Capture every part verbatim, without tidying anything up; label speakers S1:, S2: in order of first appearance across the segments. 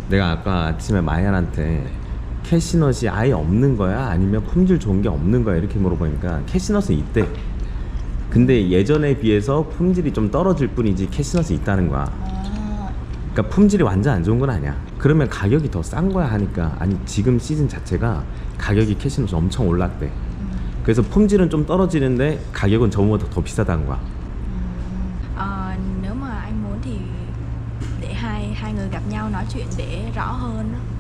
S1: 내가 아까 아침에 마얀한테 캐시넛이 아예 없는 거야? 아니면 품질 좋은 게 없는 거야? 이렇게 물어보니까 캐시넛은 있대. 근데 예전에 비해서 품질이 좀 떨어질 뿐이지 캐시넛이 있다는 거야.
S2: 아,
S1: 그러니까 품질이 완전 안 좋은 건 아니야. 그러면 가격이 더 싼 거야 하니까 아니 지금 시즌 자체가 가격이 캐시넛이 엄청 올랐대. 그래서 품질은 좀 떨어지는데 가격은 저번보다 더 비싸다는 거야.
S2: ờ, nếu mà anh muốn thì để hai hai người gặp nhau nói chuyện để rõ hơn đó.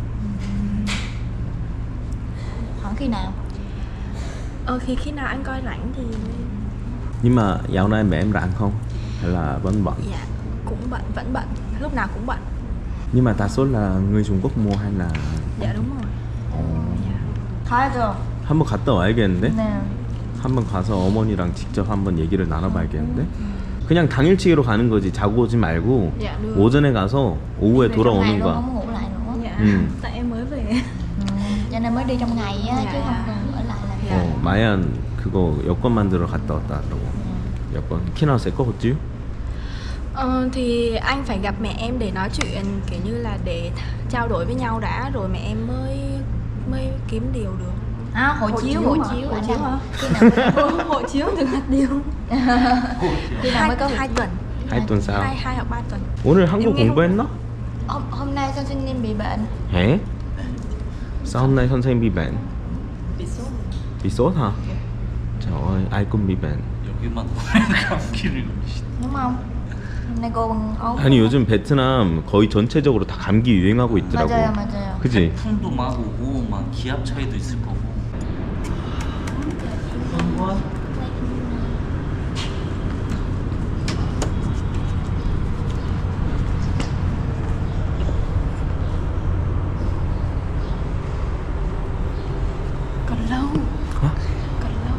S3: Khoảng khi nào?
S2: Ờ khi khi nào anh coi rảnh thì
S1: Nhưng mà dạo này mẹ em rảnh không? Hay là vẫn bận?
S2: dạ cũng bận, vẫn bận, lúc nào cũng bận.
S1: Nhưng mà đa số là người Trung Quốc mua hay là
S2: Dạ đúng rồi. Dạ.
S3: 가야죠.
S1: 한번 갔다 와야겠는데?
S3: 네.
S1: 한번 가서 어머니랑 직접 한번 얘기를 나눠봐야겠는데? 그냥 당일치기로 가는 거지. 자고 오지 말고
S2: Dạ được.
S1: 오전에 가서 오후에
S3: Về trong ngày
S1: 돌아오는
S3: luôn,
S1: 거야.
S3: không ngủ lại nữa.
S2: Dạ.
S1: Ừ.
S2: Tại em mới về.
S3: Ừ, cho nên mới đi trong ngày á,
S2: Dạ,
S3: chứ
S2: dạ.
S3: không cần ở lại làm.
S2: Dạ.
S1: 어, 마얀 그거 여권 만들어 갔다 왔다 하더라고. 여권. 키나 새거 어찌요?
S2: Ờ, thì anh phải gặp mẹ em để nói chuyện kiểu như là để trao đổi với nhau đã rồi mẹ em mới mới kiếm điều được.
S3: À, hộ
S2: Hộ
S3: chiếu,
S2: chiếu
S3: hộ
S2: hả?
S3: chiếu.
S2: Hộ
S3: Anh
S2: chiếu
S3: đang-
S2: hả?
S3: Khi nào mới có-
S2: Hộ chiếu được hạt điều.
S3: khi nào mới có
S2: hai tuần.
S1: hai tuần sau.
S2: Hai hai hoặc ba tuần.
S1: 오늘 한국
S2: Em nghe không?
S1: 공부했나?
S3: hôm, hôm nay 선생님 bị bệnh.
S1: 에? sao hôm nay 선생님 bị bệnh?
S2: Bị sốt.
S1: bị sốt hả? Trời ơi, ai cũng bị bệnh.
S4: 여기만 감기를 걸리시.
S3: Đúng không? Hôm nay cô bằng ốm.
S1: 아니 요즘 베트남 거의 전체적으로 다 감기 유행하고 있더라고.
S3: 맞아요, 맞아요.
S1: 그지?
S4: 풍도 막 오고 막 기압 차이도 있을 거고.
S2: Còn lâu.
S1: Hả?
S2: Còn lâu.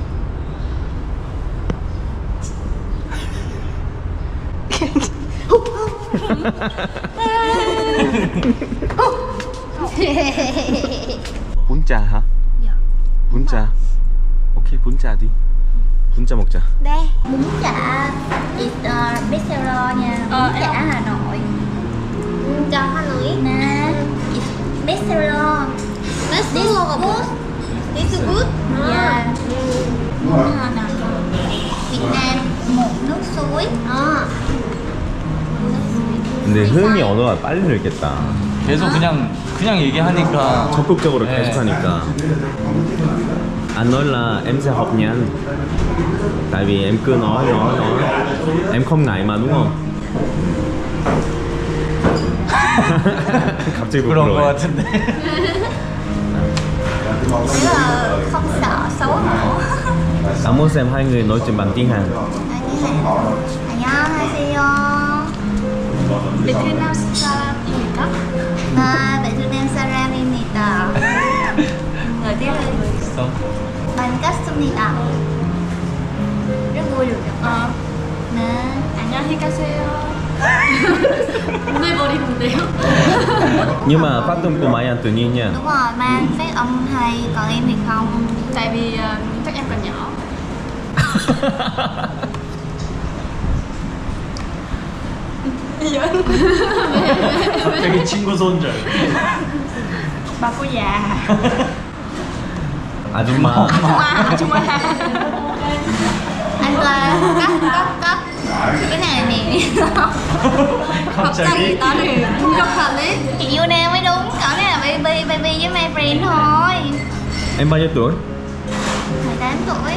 S1: 분짜 hả?
S2: Dạ.
S1: 분짜. 오케이 분짜 đi. 분짜 먹자.
S3: Đây, bún chả is uh, bestseller nha. Bún
S2: Ờ,
S3: chả
S2: em-
S3: Hà Nội. Cho hoa lưỡi nè. It's bestseller. This is good. This is good. Yeah. Bún Hà Nội. Việt Nam một nước suối. Ờ.
S1: 근데 흐은이 언어가 빨리 늘겠다.
S4: 계속 그냥 그냥 얘기하니까
S1: 적극적으로
S4: 네.
S1: 계속 하니까. Anh nói là em sẽ học nhanh. Tại vì em cứ nói nói nói. Em không ngại mà đúng không? 갑자기
S4: 그런 거
S1: 부끄러워.
S4: 같은데.
S3: Nghĩa là không sợ xấu hổ.
S1: Anh muốn xem hai người nói chuyện bằng tiếng Hàn.
S3: 안녕하세요.
S2: 베트남 사람입니까?
S3: 아, 베트남 사람입니다. Người tiếng Anh.
S4: 있어.
S3: 반갑습니다. rất vui được gặp
S2: Ờ.
S3: nè.
S2: 안녕하세요. 오늘버리는데요?
S1: Nhưng mà phát âm của Mai Anh tự nhiên nha.
S3: Đúng rồi, mang phát âm hay, còn em thì không.
S2: Tại vì ờ, chắc em còn nhỏ.
S4: 갑자기 친구 손절.
S2: Bà cô già.
S1: 아줌마.
S2: Chúng ta
S3: Anh Toa cắt cắt cắt cái này nè.
S4: 갑자기
S3: có thì rất hợp lý. Chị Yuna mới đúng, cậu này là baby baby với my friend thôi.
S1: Em bao nhiêu tuổi?
S3: mười tám tuổi.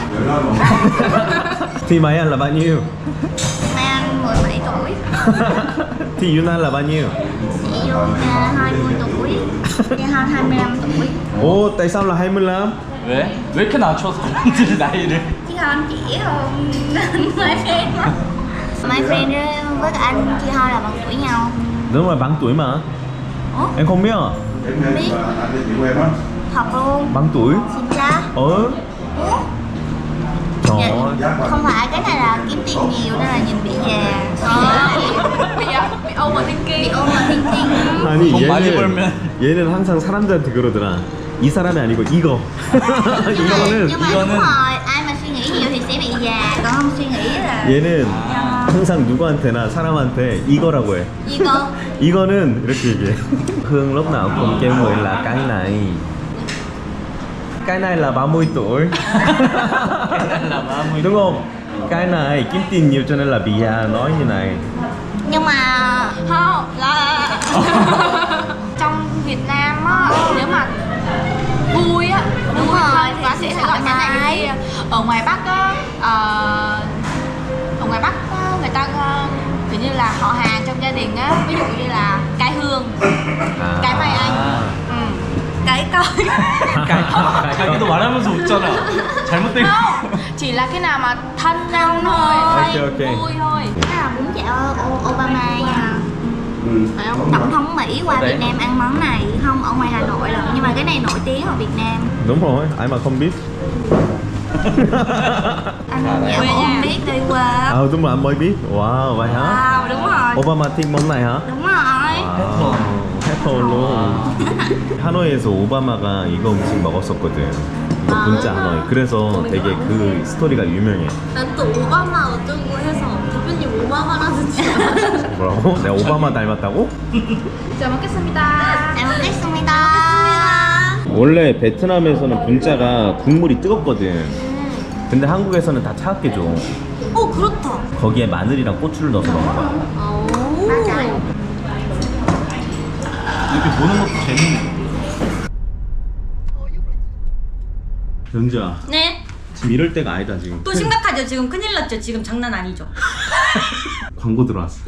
S1: Thì Mai Anh là bao nhiêu?
S3: Mai Anh mười bảy tuổi.
S1: Thì Yuna là bao nhiêu?
S3: Chị Yuna hai mươi tuổi. Chị hơn hai mươi lăm tuổi.
S1: Ồ, tại sao là hai mươi lăm?
S4: 왜? 왜 이렇게 낮춰 사람들 나이를?
S3: Chị hơn chị hơn my friend đó. My friend với cả anh chị hơn là bằng tuổi nhau.
S1: Đúng rồi, bằng tuổi mà.
S3: Ủa?
S1: Em không biết à?
S3: Không biết. Thật luôn.
S1: Bằng tuổi?
S3: Xin cha.
S1: Ờ.
S3: Ủa?
S1: Trời
S3: Dạ.
S1: ơi.
S3: Không phải, cái này là kiếm tiền nhiều nên là nhìn bị già.
S2: bị bị overthinking.
S3: Bị overthinking.
S1: 아니
S4: 돈 많이
S1: 얘는
S4: 벌면.
S1: 얘는 항상 사람들한테 그러더라. 이 사람이 아니고 이거.
S3: Nhưng mà,
S1: 이거는
S3: nhưng mà
S4: 이거는-
S3: đúng rồi, ai mà suy nghĩ nhiều thì sẽ bị già, còn không suy nghĩ là
S1: 얘는
S3: do
S1: 항상 누구한테나 사람한테 이거라고 해.
S3: 이거.
S1: 이거는 이렇게 얘기해. Hương lúc nào cũng kêu người là cái này. Cái này là ba mươi tuổi.
S4: là ba mươi
S1: Đúng không? Cái này kiếm tiền nhiều cho nên là bị già nói như này.
S3: Nhưng mà
S2: Không, là trong Việt Nam á, nếu mà vui á,
S3: Đúng
S2: vui
S3: rồi,
S2: hơn
S3: thì
S2: thì sẽ
S3: sẽ
S2: gọi
S3: thoải
S2: cái này
S3: mái.
S2: cái kia. Ở ngoài Bắc á, ờ, ở ngoài Bắc á, người ta ờ, kiểu như là họ hàng trong gia đình á, ví dụ như là cái Hương,
S1: À.
S2: cái Mai Anh, ừ.
S3: cái coi.
S4: 자기도 말하면서 웃잖아. 잘못된 거.
S2: Không, chỉ là cái nào mà thân nhau thôi, hay
S1: Ok, ok.
S2: vui thôi.
S3: Cái là bún chả O- Obama nha.
S1: Ừ.
S2: Phải không?
S3: Tổng thống Mỹ qua
S4: Đấy.
S3: Việt Nam ăn món này, không ở ngoài Hà Nội rồi, nhưng mà cái này nổi tiếng ở Việt Nam.
S1: Đúng rồi, ai mà không biết.
S3: Anh
S4: À, đấy.
S3: dạ
S2: Quê
S3: không
S2: nhà.
S3: biết đi qua.
S1: À đúng rồi, anh mới biết. Wow, vậy hả?
S3: Wow, đúng rồi.
S1: Obama thích món này hả?
S3: Đúng rồi.
S1: 아, 해퍼로 하노이에서 오바마가 이거 음식 먹었었거든. 이거
S3: 아.
S1: 분짜 하노이. 그래서 되게 그 스토리가 유명해.
S3: 난 또 오바마 어쩌고 해서 대표님 오바마라는 줄 알았어.
S1: 뭐라고? 내가 오바마 닮았다고?
S2: 잘 먹겠습니다.
S3: 잘 먹겠습니다.
S1: 원래 베트남에서는 분짜가 국물이 뜨겁거든. 근데 한국에서는 다 차갑게 줘.
S3: 오, 그렇다.
S1: 거기에 마늘이랑 고추를 넣어서 먹는 거야.
S3: 오. 맞아요.
S4: 이렇게 보는 것도 재밌네.
S1: 연주야,
S5: 네.
S1: 지금 이럴 때가 아니다 지금.
S5: 또 심각하죠. 지금 큰일 났죠. 지금 장난 아니죠.
S1: 광고 들어왔어.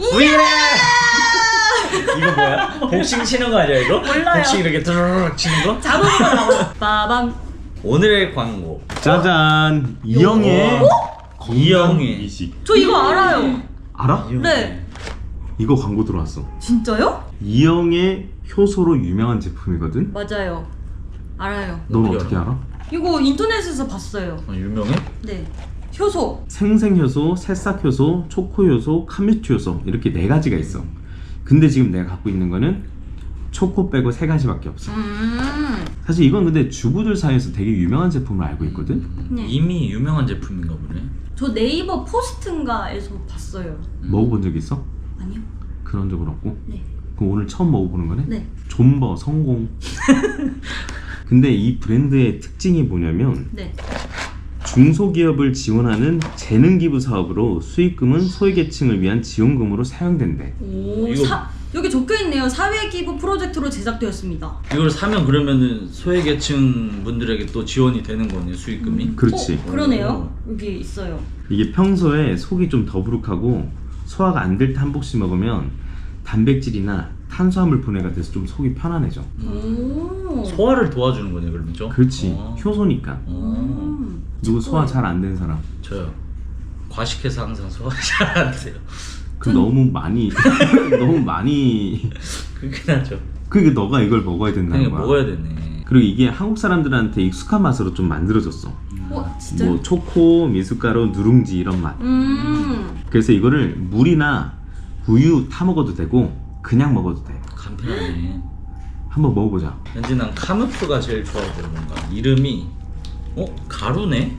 S4: 이거 뭐야? 복싱 치는 거 아니야 이거?
S5: 몰라요.
S4: 복싱 이렇게 드르륵 치는 거?
S5: 자동으로 나와. 빠밤.
S4: 오늘의 광고.
S1: 짜잔, 이영애
S4: 이영애.
S1: 미식.
S5: 저 이거 알아요.
S1: 알아?
S5: 네.
S1: 이거 광고 들어왔어.
S5: 진짜요?
S1: 이영애 효소로 유명한 제품이거든?
S5: 맞아요. 알아요.
S1: 넌
S4: 어떻게
S1: 어떻게 알아?
S5: 이거 인터넷에서 봤어요.
S4: 어, 유명해?
S5: 네. 효소.
S1: 생생효소, 새싹효소, 초코효소, 카뮤트효소 이렇게 네 가지가 있어. 근데 지금 내가 갖고 있는 거는 초코 빼고 세 가지밖에 없어.
S5: 음.
S1: 사실 이건 근데 주부들 사이에서 되게 유명한 제품으로 알고 있거든?
S5: 네.
S4: 이미 유명한 제품인가 보네.
S5: 저 네이버 포스트인가에서 봤어요.
S1: 먹어본 적 있어?
S5: 아니요.
S1: 그런 적은 없고?
S5: 네.
S1: 그럼 오늘 처음 먹어보는 거네?
S5: 네.
S1: 존버 성공. 근데 이 브랜드의 특징이 뭐냐면
S5: 네.
S1: 중소기업을 지원하는 재능기부 사업으로 수익금은 소외계층을 위한 지원금으로 사용된대.
S5: 오.
S4: 이거-
S5: 사, 여기 적혀 있네요. 사회기부 프로젝트로 제작되었습니다.
S4: 이걸 사면 그러면은 소외계층 분들에게 또 지원이 되는 거네 수익금이.
S1: 그렇지.
S5: 어, 그러네요. 여기 있어요.
S1: 이게 평소에 속이 좀 더부룩하고 소화가 안 될 때 한 복씩 먹으면 단백질이나 탄수화물 분해가 돼서 좀 속이 편안해져.
S5: 오.
S4: 소화를 도와주는 거네 그러면죠?
S1: 그렇지.
S4: 어.
S1: 효소니까.
S4: 어.
S5: 음.
S1: 누구 소화 잘 안 된 사람?
S4: 저요. 과식해서 항상 소화 잘 안 돼요.
S1: 그 너무 많이 너무 많이
S4: 그게 나죠.
S1: 그게 너가 이걸 먹어야 된다는
S4: 그냥
S1: 거야.
S4: 먹어야 되네.
S1: 그리고 이게 한국 사람들한테 익숙한 맛으로 좀 만들어졌어.
S5: 어, 진짜요?
S1: 뭐 초코, 미숫가루, 누룽지 이런 맛.
S5: 음.
S1: 그래서 이거를 물이나 우유 타 먹어도 되고 그냥 먹어도 돼.
S4: 간편하네.
S1: 한번 먹어보자.
S4: 왠지 난 카무프가 제일 좋아 보여 뭔가. 이름이 어? 가루네?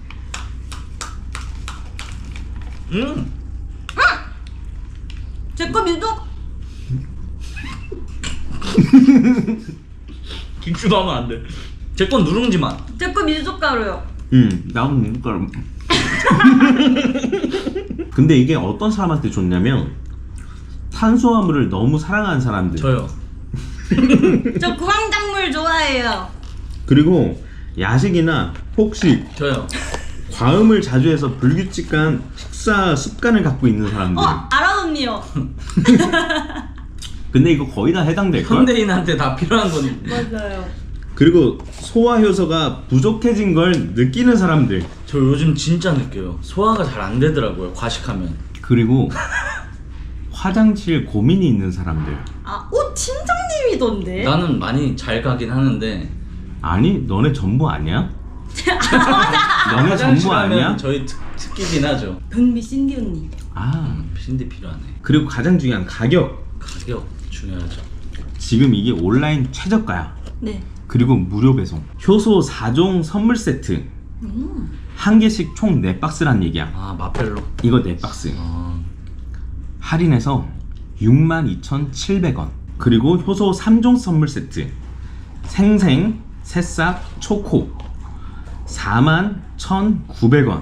S4: 음!
S5: 제거 민족.
S4: 김치도 하면 안 돼. 제 건 누룽지 맛.
S5: 제거 민족가루요.
S1: 음, 나도 미숫가루. 근데 이게 어떤 사람한테 좋냐면 탄수화물을 너무 사랑하는 사람들.
S4: 저요.
S5: 저 구황작물 좋아해요.
S1: 그리고 야식이나 폭식,
S4: 저요.
S1: 과음을 자주 해서 불규칙한 식사 습관을 갖고 있는 사람들.
S5: 어, 알아 언니요.
S1: 근데 이거 거의 다 해당될걸?
S4: 현대인한테 다 필요한 건
S5: 맞아요.
S1: 그리고 소화 효소가 부족해진 걸 느끼는 사람들.
S4: 저 요즘 진짜 느껴요. 소화가 잘 안 되더라고요. 과식하면.
S1: 그리고 화장실 고민이 있는 사람들.
S5: 아, 오 팀장님이던데.
S4: 나는 많이 잘 가긴 하는데
S1: 아니, 너네 전부 아니야?
S5: 아, 맞아.
S1: 너네 전부
S4: 화장실 하면
S1: 아니야?
S4: 저희 특, 특기긴 하죠.
S5: 변비 신디 언니.
S1: 아,
S4: 음, 신디 필요하네.
S1: 그리고 가장 중요한 가격.
S4: 가격 중요하죠.
S1: 지금 이게 온라인 최저가야.
S5: 네.
S1: 그리고 무료 배송. 효소 사 종 선물 세트.
S5: 음.
S1: 한 개씩 총 네 박스란 얘기야.
S4: 아 마펠로.
S1: 이거 네 박스.
S4: 아,
S1: 할인해서 육만 이천칠백 원. 그리고 효소 삼 종 선물 세트 생생 새싹 초코 사만 천구백 원.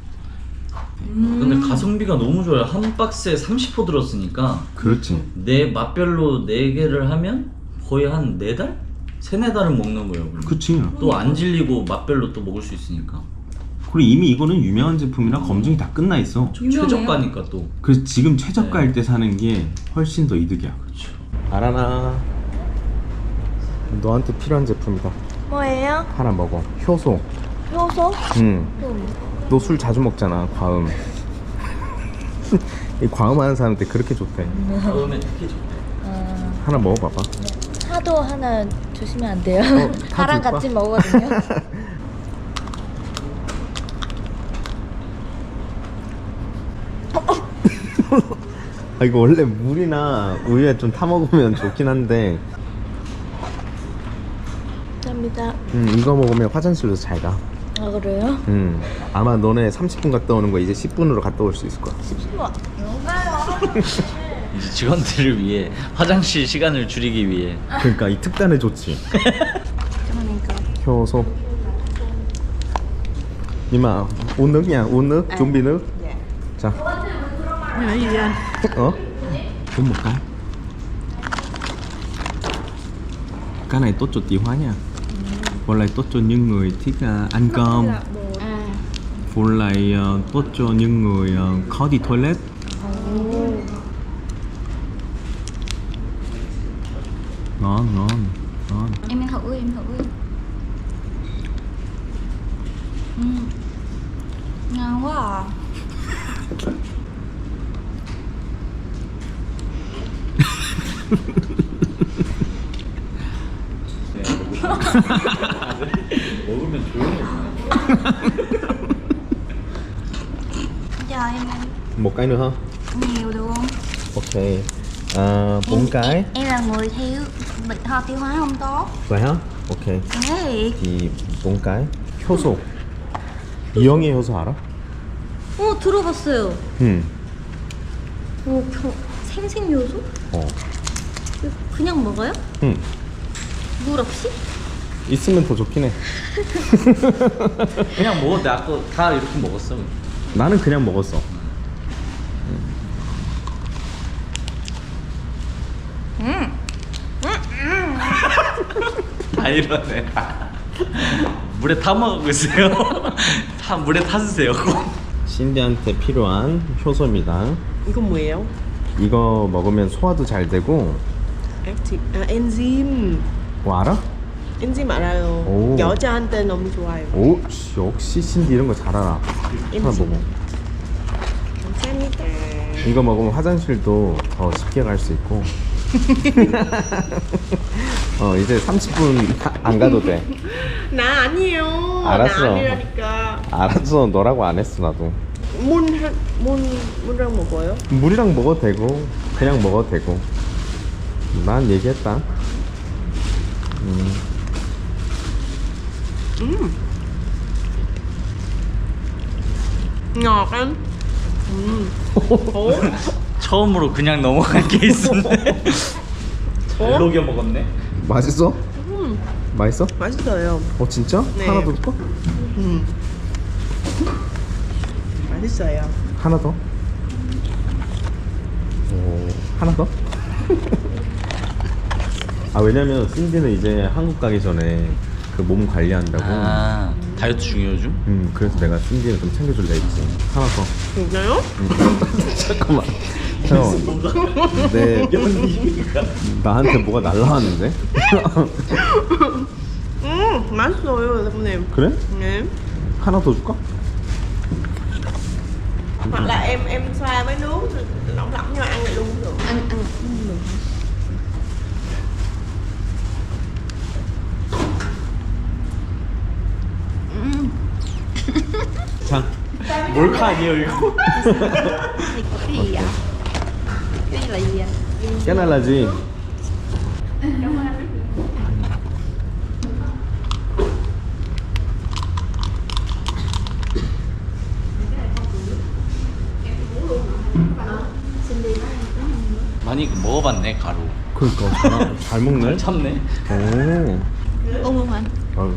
S4: 근데 가성비가 너무 좋아요. 한 박스에 삼십 호 들었으니까
S1: 그렇지.
S4: 내 맛별로 네 개를 하면 거의 한 네 달? 세네 달은 먹는 거예요. 그러면.
S1: 그치.
S4: 또 안 질리고 맛별로 또 먹을 수 있으니까.
S1: 그리고 이미 이거는 유명한 제품이라 검증이 다 끝나 있어.
S5: 유명해요?
S4: 최저가니까 또.
S1: 그래서 지금 최저가일 때 사는 게 훨씬 더 이득이야.
S4: 그렇죠.
S1: 아라나, 너한테 필요한 제품이다.
S2: 뭐예요?
S1: 하나 먹어. 효소.
S2: 효소?
S1: 응. 너 술 자주 먹잖아. 과음. 이 과음하는 사람한테 그렇게 좋대.
S4: 다음에 특히 좋대.
S1: 하나 먹어봐봐.
S3: 차도 하나 주시면 안 돼요?
S1: 어, 다
S3: 다랑
S1: 줄까?
S3: 같이 먹거든요.
S1: 아 이거 원래 물이나 우유에 좀 타 먹으면 좋긴 한데,
S3: 감사합니다.
S1: 음 이거 먹으면 화장실도 잘 가.
S3: 아 그래요?
S1: 음 아마 너네 삼십 분 갔다 오는 거 이제 십 분으로 갔다 올 수 있을 거야.
S4: 이제 직원들을 위해 화장실 시간을 줄이기 위해.
S1: 그러니까 이 특단의 조치. 효소. 이마 uống nước nha, uống nước, chuẩn bị nước. 자. 어? uống một cái. Cái này tốt cho tiêu hóa nha. Với lại tốt cho những người thích uh, ăn cơm. Với lại uh, tốt cho những người uh, khó đi toilet. Ngon, ngon, ngon.
S3: Em ăn thử, em thử. Ừ. Ngon quá à.
S4: 먹으면 조용해.
S3: Chờ em ăn
S1: Một cái nữa hả?
S3: nhiều được không?
S1: Ok. À, bốn
S3: Em-
S1: cái.
S3: Em, em là người thiếu bệnh ho tiêu hóa không tốt.
S1: Vậy hả? Ok.
S3: Thế
S1: 이 bốn cái. 효소. 이영애 효소 알아?
S5: 어 들어봤어요.
S1: 응.
S5: 어 겨, 생생 요소?
S1: 어.
S5: 그냥 먹어요?
S1: 응.
S5: 물 없이?
S1: 있으면 더 좋긴 해.
S4: 그냥 먹어. 나 아까 다 이렇게 먹었어.
S1: 나는 그냥 먹었어.
S4: 다 이러네. 물에 타 먹고 있어요. 다 물에 타주세요.
S1: 신디한테 필요한 효소입니다.
S6: 이건 뭐예요?
S1: 이거 먹으면 소화도 잘 되고.
S6: 액티, 아 엔짐.
S1: 뭐 알아?
S6: 엔짐 알아요.
S1: 오.
S6: 여자한테 너무 좋아요.
S1: 오, 역시 신디 이런 거 잘 알아. 하나
S6: 엔짐.
S1: 먹어.
S6: 감사합니다.
S1: 이거 먹으면 화장실도 더 쉽게 갈 수 있고. 어 이제 삼십 분 안 가도 돼.
S6: 나 아니에요.
S1: 알았어.
S6: 나 아니라니까.
S1: 알았어, 너라고 안 했어 나도.
S6: 문, 한- 문, 문이랑 먹어요?
S1: 물이랑 먹어도 되고 그냥 먹어도 되고. 난 얘기했다. 음.
S6: ngọt anh. Ủa?
S4: 처음으로 그냥 넘어간 케이스인데. 잘 녹여 먹었네.
S1: 맛있어? 맛있어?
S6: 맛있어요.
S1: 어 진짜?
S6: 네.
S1: 하나 더 줄까?
S6: 음. 맛있어요.
S1: 하나 더? 오, 하나 더? 아 왜냐면 신디는 이제 한국 가기 전에 그 몸 관리한다고.
S4: 아 다이어트 중이에요 요즘?
S1: 음 그래서 내가 신디를 좀 챙겨줄래 했지. 하나 더.
S6: 진짜요?
S1: 잠깐만. 형, 내 나한테 뭐가 날라왔는데?
S6: 음, 맛있어요, 여러분님.
S1: 그래?
S6: 네.
S1: 하나 더 줄까?
S6: Hoặc là em em xoa với nước rồi lỏng lỏng nhau ăn lại luôn cũng được.
S5: ăn ăn
S1: 자,
S4: 몰카 아니에요 이거?
S3: cái gì vậy? Cái này là gì vậy?
S1: cái này là gì?
S3: Xin đi.
S4: 아니 그 먹어봤네 가루.
S1: 그러니까 잘, 잘 먹네.
S4: 참네.
S1: 오.
S2: Ung luôn anh.
S1: Ừ.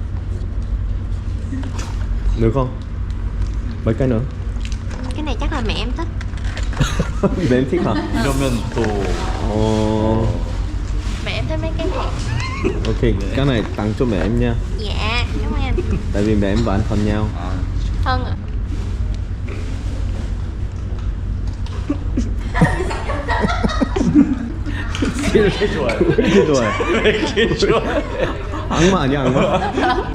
S1: Được không? Mấy cái nữa?
S3: Cái này chắc là mẹ em thích.
S1: Mẹ em thích hả?
S4: 이러면 또
S1: Ồ.
S3: Mẹ em thích mấy cái này.
S1: Ok, cái này tặng cho mẹ em nha.
S3: Dạ, cảm ơn anh.
S1: Tại vì mẹ em và anh thân nhau.
S4: 아,
S3: Thân ạ.
S4: 왜 이렇게 좋아해?
S1: 왜 이렇게 좋아해?
S4: 왜 이렇게 좋아해?
S1: 악마 아니야, 악마?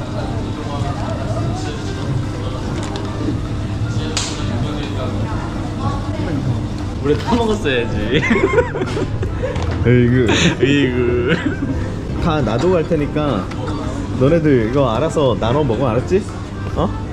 S4: 물에 타 먹었어야지.
S1: 에이그.
S4: 이그.
S1: 다 놔두고 갈 테니까 너네들 이거 알아서 나눠 먹어, 알았지? 어?